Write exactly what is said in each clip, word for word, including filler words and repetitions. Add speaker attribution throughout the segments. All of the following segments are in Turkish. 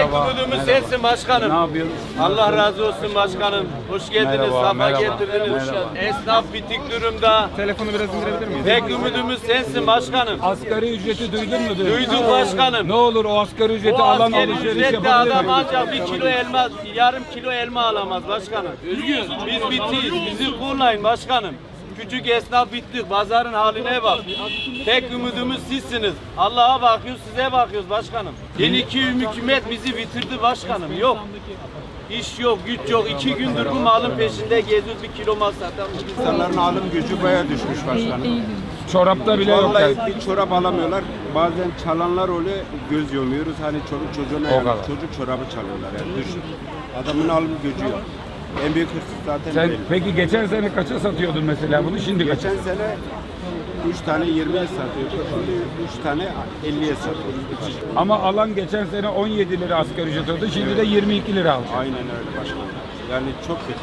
Speaker 1: umudumuz sensin başkanım.
Speaker 2: Ne yapıyorsun?
Speaker 1: Allah razı olsun başkanım. Hoş geldiniz,
Speaker 2: Merhaba,
Speaker 1: safa
Speaker 2: merhaba.
Speaker 1: getirdiniz.
Speaker 2: Merhaba.
Speaker 1: Esnaf bitik durumda.
Speaker 3: Telefonu biraz indirebilir miyiz?
Speaker 1: Tek umudumuz sensin başkanım.
Speaker 2: Asgari ücreti duydun mu?
Speaker 1: Duyduk başkanım.
Speaker 2: Ne olur o asgari ücreti
Speaker 1: O
Speaker 2: alan
Speaker 1: askeri
Speaker 2: alışveriş
Speaker 1: ücretle
Speaker 2: yapabilir
Speaker 1: adam
Speaker 2: mi?
Speaker 1: ancak bir kilo elma, yarım kilo elma alamaz başkanım. Biz bitiyiz, bizi kullayın başkanım. Küçük esnaf bittik, pazarın haline bak. Tek umudumuz sizsiniz. Allah'a bakıyoruz, size bakıyoruz başkanım. Yeni iki hükümet bizi bitirdi başkanım, yok. İş yok, güç yok. İki gündür bu malın peşinde geziyoruz, bir kilo mal satamıyoruz.
Speaker 4: İnsanların alım gücü bayağı düşmüş başkanım.
Speaker 2: Çorapta bile yok.
Speaker 4: Vallahi
Speaker 2: yani.
Speaker 4: bir çorap alamıyorlar. Bazen çalanlar oluyor, göz yomuyoruz. Hani çocuk çocuğuna
Speaker 2: O
Speaker 4: yani
Speaker 2: kadar.
Speaker 4: çocuk çorabı çalıyorlar yani düşün. Adamın alım gücü yok. En büyük hırsız zaten
Speaker 2: Sen
Speaker 4: belli.
Speaker 2: peki geçen sene kaça satıyordun mesela bunu? Şimdi kaça?
Speaker 4: Geçen sene üç tane yirmiye satıyorduk. Şimdi üç tane elliye satıyoruz.
Speaker 2: Ama alan geçen sene on yedi lira asgari ücret oldu. Şimdi de yirmi iki lira aldı.
Speaker 4: Aynen öyle başkanım. Yani çok kötü.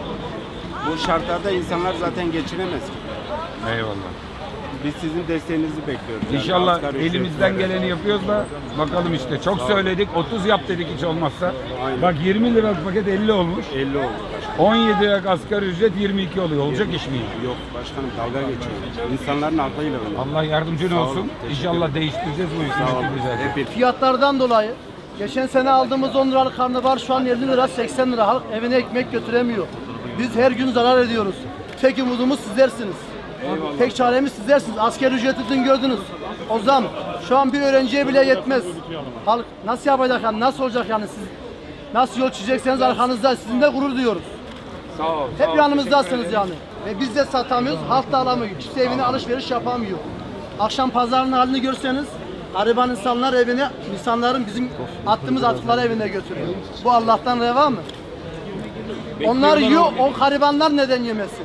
Speaker 4: Bu şartlarda insanlar zaten geçinemez.
Speaker 2: Eyvallah.
Speaker 4: Biz sizin desteğinizi bekliyoruz. Yani
Speaker 2: İnşallah
Speaker 4: asgari
Speaker 2: elimizden
Speaker 4: ücretlere.
Speaker 2: geleni yapıyoruz da bakalım işte. Çok söyledik. otuz yap dedik hiç olmazsa.
Speaker 4: Aynen.
Speaker 2: Bak yirmi liralık paket elli olmuş.
Speaker 4: elli oldu başkanım.
Speaker 2: on yedi liralık asgari ücret yirmi iki oluyor. Olacak iş mi?
Speaker 4: Yok başkanım dalga geçiyor. İnsanların aklıyla oynuyor.
Speaker 2: Allah yardımcın
Speaker 4: Sağ olun,
Speaker 2: olsun.
Speaker 4: teşekkür
Speaker 2: İnşallah
Speaker 4: ederim.
Speaker 2: değiştireceğiz bu
Speaker 4: Sağ olun.
Speaker 2: hükümeti güzel.
Speaker 4: Hep
Speaker 5: Fiyatlardan dolayı geçen sene aldığımız on liralık karnabahar şu an elli lira seksen lira. Halk evine ekmek götüremiyor. Biz her gün zarar ediyoruz. Tek umudumuz sizlersiniz. Tek çaremiz sizlersiniz. Asgari ücreti dün gördünüz. O zam şu an bir öğrenciye bile yetmez. Halk nasıl yapacak yani, nasıl olacak yani, siz nasıl yol çizecekseniz arkanızda, sizinle gurur duyuyoruz.
Speaker 2: Sağ ol.
Speaker 5: Hep yanımızdasınız yani. Ve biz de satamıyoruz, halk da alamıyor. Kimse evine alışveriş yapamıyor. Akşam pazarın halini görseniz, gariban insanlar evine, insanların bizim attığımız atıkları evine götürüyor. Bu Allah'tan reva mı? Onlar yiyor, o garibanlar neden yemesin?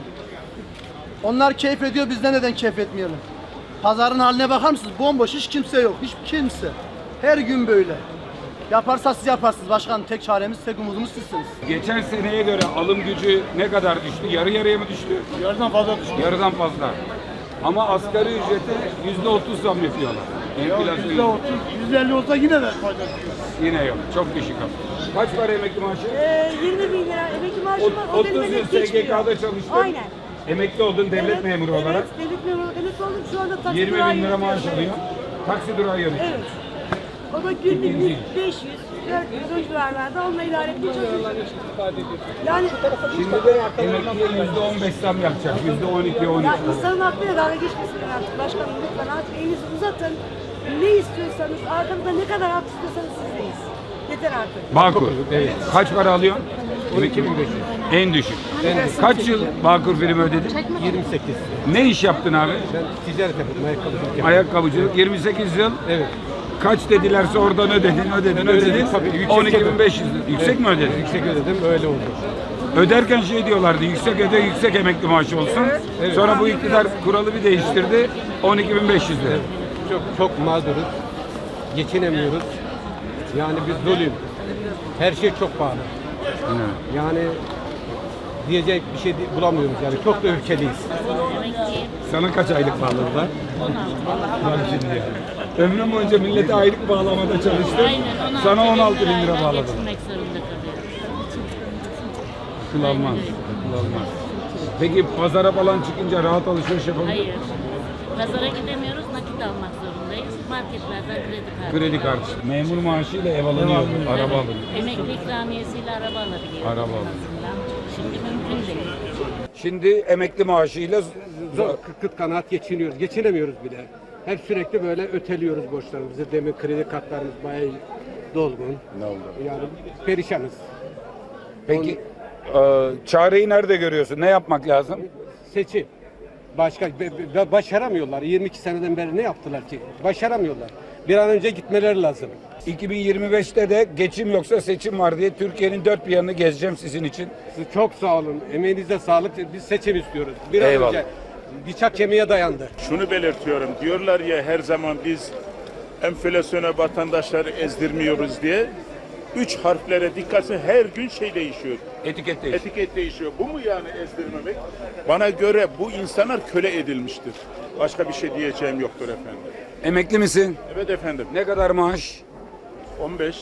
Speaker 5: Onlar keyif ediyor, biz de neden keyif etmeyelim? Pazarın haline bakar mısınız? Bomboş, hiç kimse yok, hiç kimse. Her gün böyle. Yaparsa siz yaparsınız başkanım. Tek çaremiz, tek umudumuz sizsiniz.
Speaker 2: Geçen seneye göre alım gücü ne kadar düştü? Yarı yarıya mı düştü?
Speaker 5: Yarıdan fazla düştü.
Speaker 2: Yarıdan fazla. Ama asgari ücrete yüzde otuz zam yapıyorlar. Enflasyon
Speaker 5: yüzde otuz, yüzde elli olsa yine de fayda.
Speaker 2: yine yok. Çok düşük ama. Kaç para emekli maaşı?
Speaker 6: Ee, yirmi bin lira emekli maaşı var. O
Speaker 2: otuz
Speaker 6: benim
Speaker 2: yıl
Speaker 6: emekli
Speaker 2: S G
Speaker 6: geçmiyor.
Speaker 2: K'da çalıştın.
Speaker 6: Aynen.
Speaker 2: Emekli oldun devlet
Speaker 6: Evet,
Speaker 2: memuru
Speaker 6: evet,
Speaker 2: olarak.
Speaker 6: devlet memuru. Emekli oldum şu anda taksi
Speaker 2: yirmi
Speaker 6: durağı
Speaker 2: bin lira maaş
Speaker 6: yönetiyorum.
Speaker 2: alıyor. Taksi durağı yönetiyor.
Speaker 6: Evet. O da günlük beş yüz, dört yüz o civarlarda onunla idare etmeye çalışıyoruz. Yani,
Speaker 2: Şimdi de emekliye yüzde on beş zam yapacak. Yüzde on iki, on
Speaker 6: ya
Speaker 2: üç.
Speaker 6: insanın aklıyla dalga geçmesinler artık. Başkanım lütfen artık elinizi uzatın. Ne istiyorsanız, arkamda ne kadar hak istiyorsanız sizdeyiz. Yeter artık.
Speaker 2: Bağkur. Evet. Kaç para alıyorsun? on iki bin beş yüz. En düşük. Kaç yıl Bağkur primi ödedin?
Speaker 3: yirmi sekiz.
Speaker 2: Ne iş yaptın abi?
Speaker 3: Ben ticaret yapıyorum, ayakkabıcılık yapıyorum.
Speaker 2: Ayakkabıcılık. yirmi sekiz yıl.
Speaker 3: Evet.
Speaker 2: Kaç dedilerse oradan ödedin, ödedin, ödedin.
Speaker 3: Tabii, yüksek
Speaker 2: on iki bin
Speaker 3: ödedim.
Speaker 2: beş yüz. Yüksek mi ödedin?
Speaker 3: Yüksek ödedim, öyle oldu.
Speaker 2: Öderken şey diyorlardı, yüksek öde, yüksek emekli maaşı olsun. Sonra bu iktidar kuralı bir değiştirdi, on iki bin beş yüz lira.
Speaker 3: Çok çok mağduruz. Geçinemiyoruz. Yani biz doluyum. Her şey çok pahalı. Yani diyecek bir şey di- bulamıyoruz yani. Çok da öfkeliyiz.
Speaker 2: Sana kaç aylık bağladılar? Bak şimdi yani. Ömrüm boyunca millete aylık bağlamada çalıştım.
Speaker 7: Aynen, on altı
Speaker 2: Sana on altı bin
Speaker 7: lirayla
Speaker 2: lira bağladım.
Speaker 7: geçinmek zorunda kalıyoruz.
Speaker 2: Akıl almaz, akıl almaz. Peki pazara falan çıkınca rahat alışveriş yapabilir
Speaker 7: Hayır. Pazara gidemiyoruz, nakit almak zorundayız. Marketlerden kredi kartı.
Speaker 2: Kredi kartı. Memur maaşıyla ev alınıyor, araba alınıyor.
Speaker 7: Emekli ikramiyesiyle araba alabiliyoruz.
Speaker 2: Araba
Speaker 7: en
Speaker 2: alıyor.
Speaker 7: azından. Şimdi mümkün değil.
Speaker 2: Şimdi emekli maaşıyla
Speaker 3: Zor, kıt kıt kanaat geçiniyoruz. Geçinemiyoruz bile. Hep sürekli böyle öteliyoruz borçlarımızı. Demin kredi kartlarımız bayağı dolgun.
Speaker 2: ne oldu?
Speaker 3: Yani perişanız.
Speaker 2: Peki e, çareyi nerede görüyorsun? Ne yapmak lazım?
Speaker 3: Seçim. Başka be- be- başaramıyorlar. yirmi iki seneden beri ne yaptılar ki? Başaramıyorlar. Bir an önce gitmeleri lazım.
Speaker 2: iki bin yirmi beşte de geçim yoksa seçim var diye Türkiye'nin dört bir yanını gezeceğim sizin için.
Speaker 3: Siz çok sağ olun. Emeğinize sağlık. Biz seçim istiyoruz. Bir an
Speaker 2: Eyvallah.
Speaker 3: önce bıçak kemiğe dayandı.
Speaker 8: Şunu belirtiyorum. Diyorlar ya her zaman biz enflasyona vatandaşları ezdirmiyoruz diye. Üç harflere dikkatse her gün şey değişiyor.
Speaker 2: Etiket değiş.
Speaker 8: Etiket değişiyor. Bu mu yani ezdirmemek? Bana göre bu insanlar köle edilmiştir. Başka bir şey diyeceğim yoktur efendim.
Speaker 2: Emekli misin?
Speaker 8: Evet efendim.
Speaker 2: Ne kadar maaş?
Speaker 8: on beş.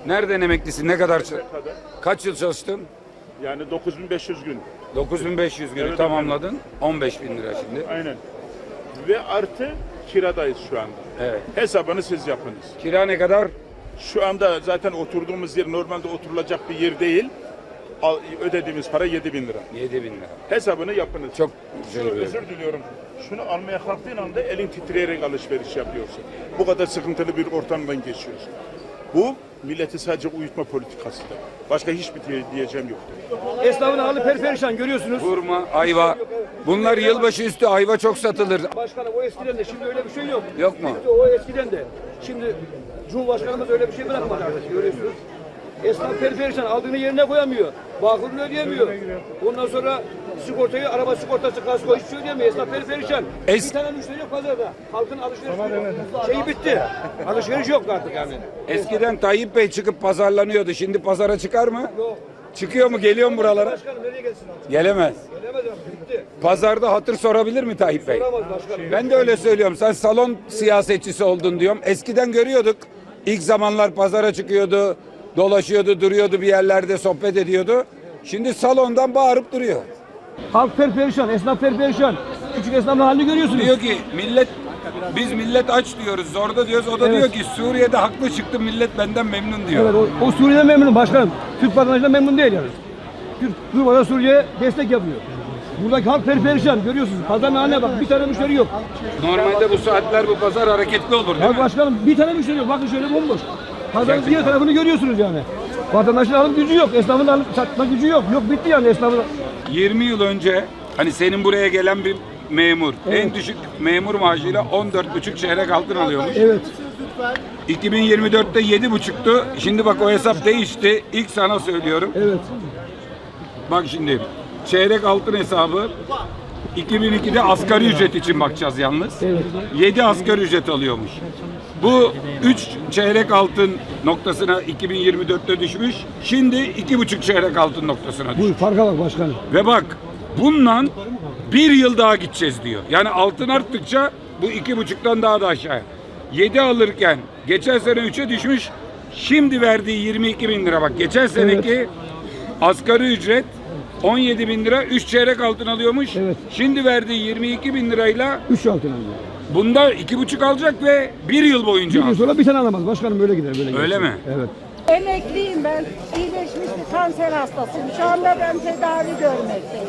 Speaker 2: Nereden emeklisin? Ne kadar çal- Kaç yıl çalıştın?
Speaker 8: Yani dokuz bin beş yüz gün.
Speaker 2: dokuz bin beş yüz günü
Speaker 8: Evet,
Speaker 2: tamamladın. on beş bin lira şimdi.
Speaker 8: Aynen. Ve artı kiradayız şu anda.
Speaker 2: Evet.
Speaker 8: Hesabını siz yapınız.
Speaker 2: Kira ne kadar?
Speaker 8: Şu anda zaten oturduğumuz yer normalde oturulacak bir yer değil. Al- Ödediğimiz para yedi bin lira.
Speaker 2: yedi bin lira.
Speaker 8: Hesabını yapınız.
Speaker 2: Çok
Speaker 8: Şunu
Speaker 2: güzel.
Speaker 8: özür diliyorum. Şunu almaya kalktığın anda elin titreyerek alışveriş yapıyorsun. Bu kadar sıkıntılı bir ortamdan geçiyorsun. Bu milleti sadece uyutma politikasıdır. Başka hiçbir diye- diyeceğim yoktur.
Speaker 9: Esnafın hali perperişan görüyorsunuz.
Speaker 2: Hurma, ayva. Bunlar yılbaşı üstü ayva çok satılır.
Speaker 9: Başkanım o eskiden de şimdi öyle bir şey yok.
Speaker 2: Yok mu?
Speaker 9: Bitti o eskiden de. Şimdi Cumhurbaşkanımız öyle bir şey bırakmadı artık görüyorsunuz. Esnaf perperişan aldığını yerine koyamıyor. Bağkurunu ödeyemiyor. Ondan sonra sigortayı, araba sigortası, kasko hiç şey ödeyemiyor. Esnaf perperişan.
Speaker 2: Es-
Speaker 9: Bir tane müşteri yok pazarda. Halkın alışverişi şeyi bitti. Alışveriş yok artık yani.
Speaker 2: Eskiden Tayyip Bey çıkıp pazarlanıyordu. Şimdi pazara çıkar mı? Çıkıyor mu? Geliyor mu buralara?
Speaker 9: Başkanım nereye gelsin artık?
Speaker 2: Gelemez.
Speaker 9: Gelemez artık bitti.
Speaker 2: Pazarda hatır sorabilir mi Tayyip Bey?
Speaker 9: Soramaz başkanım.
Speaker 2: Ben de öyle söylüyorum. Sen salon siyasetçisi oldun diyorum. Eskiden görüyorduk. İlk zamanlar pazara çıkıyordu. Dolaşıyordu, duruyordu bir yerlerde sohbet ediyordu. Şimdi salondan bağırıp duruyor.
Speaker 9: Halk perperişan, esnaf perperişan. Küçük esnafın halini görüyorsunuz.
Speaker 2: Diyor ki millet, biz millet aç diyoruz, zorda diyoruz. O da
Speaker 9: Evet.
Speaker 2: diyor ki Suriye'de haklı çıktım, millet benden memnun diyor.
Speaker 9: Evet, o, o Suriye'den memnunum başkanım. Türk vatandaşından memnun değil yani. Türk durmadan Suriye'ye destek yapıyor. Buradaki halk perperişan görüyorsunuz. Pazarın haline bak, bir tane müşteri yok.
Speaker 2: Normalde bu saatler bu pazar hareketli olur değil
Speaker 9: Ya
Speaker 2: mi?
Speaker 9: başkanım bir tane müşteri yok. Bakın şöyle bomboş. Pazarın diğer tarafını görüyorsunuz yani. Vatandaşın alım gücü yok, esnafın alım satma gücü yok. Yok bitti yani esnafın.
Speaker 2: yirmi yıl önce hani senin buraya gelen bir memur en düşük memur maaşıyla on dört buçuk çeyrek altın alıyormuş.
Speaker 9: Evet.
Speaker 2: iki bin yirmi dörtte yedi buçuktu. Şimdi bak o hesap değişti. İlk sana söylüyorum.
Speaker 9: Evet.
Speaker 2: Bak şimdi çeyrek altın hesabı iki bin ikide asgari ücret için bakacağız yalnız.
Speaker 9: Evet.
Speaker 2: yedi asgari ücret alıyormuş. Bu üç çeyrek altın noktasına iki bin yirmi dörtte düşmüş. Şimdi iki buçuk çeyrek altın noktasına düşmüş.
Speaker 9: Bu farka bak başkanım.
Speaker 2: Ve bak bundan bir yıl daha gideceğiz diyor. Yani altın arttıkça bu iki buçuktan daha da aşağıya. yedi alırken geçen sene üçe düşmüş. Şimdi verdiği yirmi iki bin lira bak. Geçen seneki asgari ücret on yedi bin lira üç çeyrek altın alıyormuş.
Speaker 9: Evet.
Speaker 2: Şimdi verdiği yirmi iki bin lirayla
Speaker 9: Üç altın alıyor.
Speaker 2: bunda iki buçuk alacak ve bir yıl boyunca
Speaker 9: Bir yıl
Speaker 2: alacak.
Speaker 9: sonra bir tane alamaz. Başkanım böyle gider. Böyle
Speaker 2: Öyle
Speaker 9: gider.
Speaker 2: mi?
Speaker 9: Evet.
Speaker 6: Emekliyim ben. İyileşmiş bir kanser hastasıyım. Şu anda ben tedavi görmekteyim.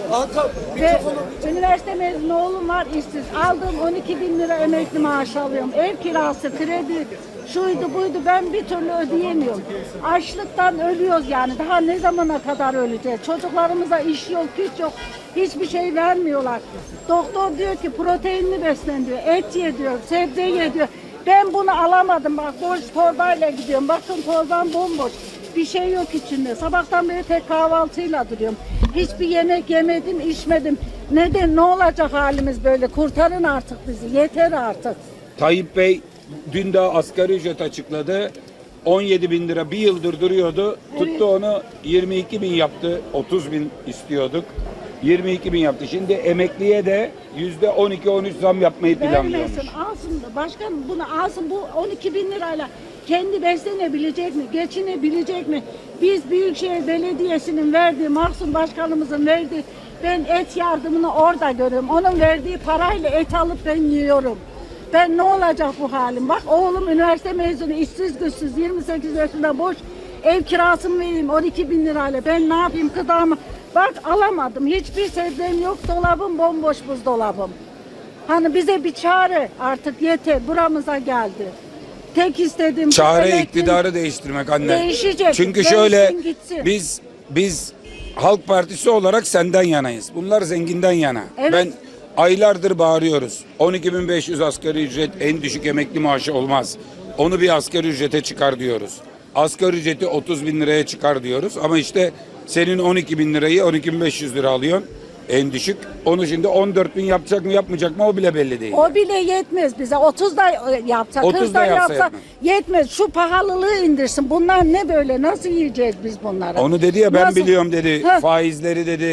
Speaker 6: Ve üniversite mezunu oğlum var işsiz. Aldığım on iki bin lira emekli maaşı alıyorum. Ev kirası, kredi, şuydu buydu ben bir türlü ödeyemiyorum. Açlıktan ölüyoruz yani. Daha ne zamana kadar öleceğiz? Çocuklarımıza iş yok, güç yok. Hiçbir şey vermiyorlar. Doktor diyor ki proteinli beslen diyor. Et ye diyor, sebze ye diyor. Ben bunu alamadım bak boş torbayla gidiyorum. Bakın torbam bomboş. Bir şey yok içinde. Sabahtan beri tek kahvaltıyla duruyorum. Hiçbir yemek yemedim, içmedim. Neden? Ne olacak halimiz böyle? Kurtarın artık bizi. Yeter artık.
Speaker 2: Tayyip Bey dün daha asgari ücret açıkladı. on yedi bin lira bir yıldır duruyordu. Tuttu onu yirmi iki bin yaptı. otuz bin istiyorduk. yirmi iki bin yaptı. Şimdi emekliye de yüzde on iki on üç zam yapmayı planlıyormuş.
Speaker 6: Vermesin, alsın da. Başkanım bunu alsın. Bu on iki bin lirayla kendi beslenebilecek mi? Geçinebilecek mi? Biz Büyükşehir Belediyesi'nin verdiği, Mahsun Başkanımızın verdiği, ben et yardımını orada görüyorum. Onun verdiği parayla et alıp ben yiyorum. Ben ne olacak bu halim? Bak oğlum üniversite mezunu, işsiz güçsüz, yirmi sekiz yaşında boş. Ev kirasını vereyim on iki bin lirayla. Ben ne yapayım gıdamı? Bak alamadım. Hiçbir sebzem yok. Dolabım bomboş buzdolabım. Hani bize bir çare artık yeter. Buramıza geldi. Tek istediğim...
Speaker 2: Çare
Speaker 6: emekli-
Speaker 2: iktidarı değiştirmek anne.
Speaker 6: Değişecek.
Speaker 2: Çünkü
Speaker 6: Değişsin,
Speaker 2: şöyle
Speaker 6: gitsin.
Speaker 2: biz biz Halk Partisi olarak senden yanayız. Bunlar zenginden yana.
Speaker 6: Evet.
Speaker 2: Ben aylardır bağırıyoruz. on iki bin beş yüz asgari ücret en düşük emekli maaşı olmaz. Onu bir asgari ücrete çıkar diyoruz. Asgari ücreti otuz bin liraya çıkar diyoruz. Ama işte senin on iki bin lirayı on iki bin beş yüz lira alıyorsun. En düşük. Onu şimdi on dört bin yapacak mı yapmayacak mı o bile belli değil.
Speaker 6: O bile yetmez bize. otuz da yapsa,
Speaker 2: otuz
Speaker 6: kırk
Speaker 2: da
Speaker 6: da
Speaker 2: yapsa
Speaker 6: yapsa
Speaker 2: yetmez.
Speaker 6: yetmez. Şu pahalılığı indirsin. Bunlar ne böyle? Nasıl yiyeceğiz biz bunları?
Speaker 2: Onu dedi ya ben
Speaker 6: Nasıl?
Speaker 2: biliyorum dedi.
Speaker 6: Heh.
Speaker 2: Faizleri dedi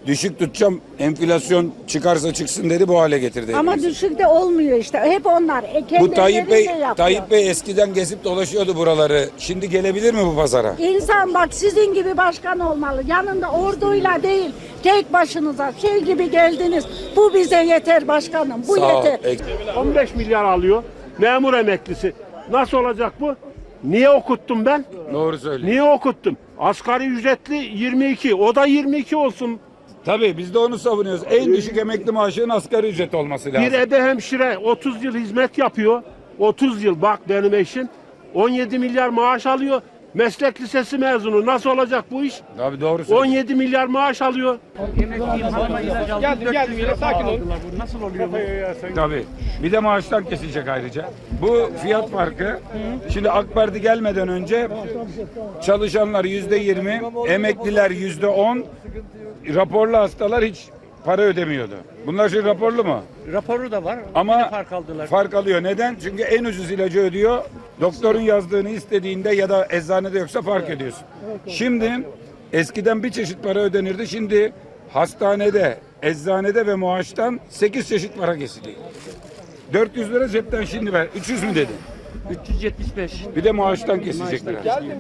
Speaker 2: Düşük tutacağım, enflasyon çıkarsa çıksın dedi, bu hale getirdi.
Speaker 6: Ama
Speaker 2: hepimizi.
Speaker 6: düşük de olmuyor işte. Hep onlar. E, kendi
Speaker 2: Bu Tayyip Bey,
Speaker 6: elleriyle yapıyor.
Speaker 2: Tayyip Bey eskiden gezip dolaşıyordu buraları. Şimdi gelebilir mi bu pazara?
Speaker 6: İnsan bak sizin gibi başkan olmalı. Yanında orduyla değil, tek başınıza şey gibi geldiniz. Bu bize yeter başkanım. Bu
Speaker 2: Sağ ol.
Speaker 6: yeter.
Speaker 2: Ek-
Speaker 10: on beş milyar alıyor. Memur emeklisi. Nasıl olacak bu? Niye okuttum ben?
Speaker 2: Doğru söylüyor.
Speaker 10: Niye okuttum? Asgari ücretli yirmi iki. O da yirmi iki olsun.
Speaker 2: Tabii biz de onu savunuyoruz. En düşük emekli maaşının asgari ücret olması lazım.
Speaker 10: Bir ebe hemşire otuz yıl hizmet yapıyor. otuz yıl bak benim eşim. on yedi milyar maaş alıyor. Meslek lisesi mezunu. Nasıl olacak bu iş?
Speaker 2: Tabii doğru
Speaker 10: on
Speaker 2: söylüyor.
Speaker 10: yedi milyar maaş alıyor.
Speaker 9: Geldim geldim yine sakin ol.
Speaker 2: Tabii. Bir de maaştan kesilecek ayrıca. Bu fiyat farkı. Şimdi AK Parti gelmeden önce çalışanlar yüzde yirmi, emekliler yüzde on, raporlu hastalar hiç para ödemiyordu. Bunlar şimdi raporlu mu?
Speaker 9: Raporu da var.
Speaker 2: Ama
Speaker 9: fark aldılar.
Speaker 2: fark alıyor. Neden? Çünkü en ucuz ilacı ödüyor. Doktorun yazdığını istediğinde ya da eczanede yoksa fark ediyorsun. Şimdi eskiden bir çeşit para ödenirdi. Şimdi hastanede, eczanede ve maaştan sekiz çeşit para kesiliyor. dört yüz lira cepten şimdi ver. üç yüz mü dedin?
Speaker 9: üç yüz yetmiş beş.
Speaker 2: Bir de maaştan kesilecekler.